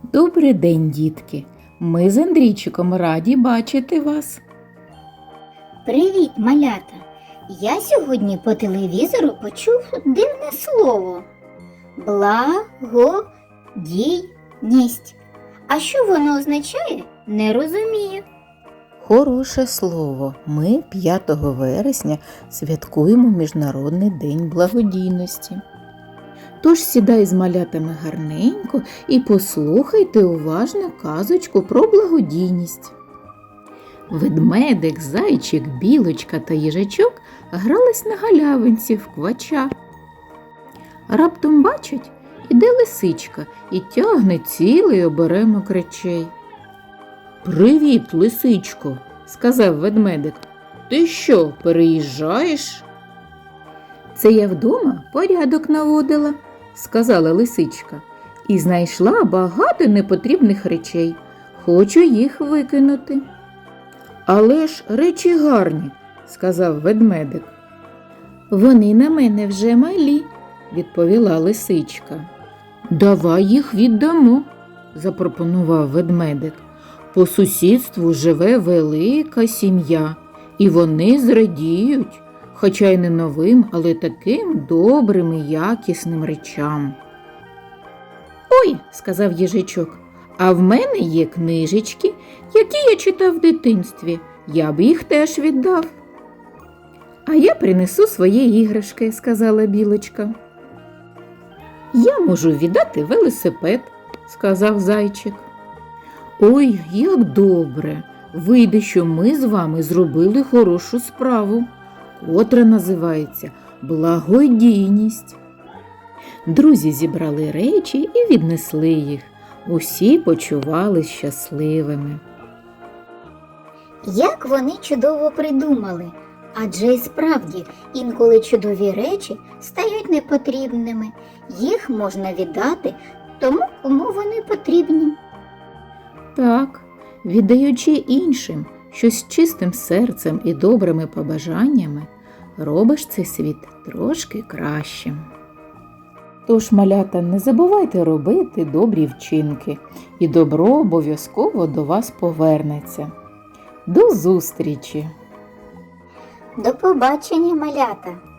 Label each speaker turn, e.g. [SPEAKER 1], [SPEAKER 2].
[SPEAKER 1] Добрий день, дітки! Ми з Андрійчиком раді бачити вас.
[SPEAKER 2] Привіт, малята! Я сьогодні по телевізору почув дивне слово благодійність. А що воно означає, не розумію.
[SPEAKER 1] Хороше слово. Ми 5 вересня святкуємо Міжнародний день благодійності. Тож сідай з малятами гарненько і послухайте уважно казочку про благодійність. Ведмедик, зайчик, білочка та їжачок грались на галявинці в квача. Раптом бачать, іде лисичка і тягне цілий оберемок речей. «Привіт, лисичко!» – сказав ведмедик. «Ти що, переїжджаєш?» «Це я вдома порядок наводила», – сказала лисичка, і знайшла багато непотрібних речей. Хочу їх викинути. «Але ж речі гарні», – сказав ведмедик. «Вони на мене вже малі», – відповіла лисичка. «Давай їх віддамо», – запропонував ведмедик. «По сусідству живе велика сім'я, і вони зрадіють, хоча й не новим, але таким добрим і якісним речам». «Ой», – сказав їжачок, – «а в мене є книжечки, які я читав в дитинстві, я б їх теж віддав». «А я принесу свої іграшки», – сказала білочка. «Я можу віддати велосипед», – сказав зайчик. «Ой, як добре! Вийде, що ми з вами зробили хорошу справу, котра називається благодійність». Друзі зібрали речі і віднесли їх. Усі почувались щасливими.
[SPEAKER 2] Як вони чудово придумали, адже і справді інколи чудові речі стають непотрібними. Їх можна віддати тому, кому вони потрібні.
[SPEAKER 1] Так, віддаючи іншим щось з чистим серцем і добрими побажаннями, робиш цей світ трошки кращим. Тож, малята, не забувайте робити добрі вчинки, і добро обов'язково до вас повернеться. До зустрічі!
[SPEAKER 2] До побачення, малята!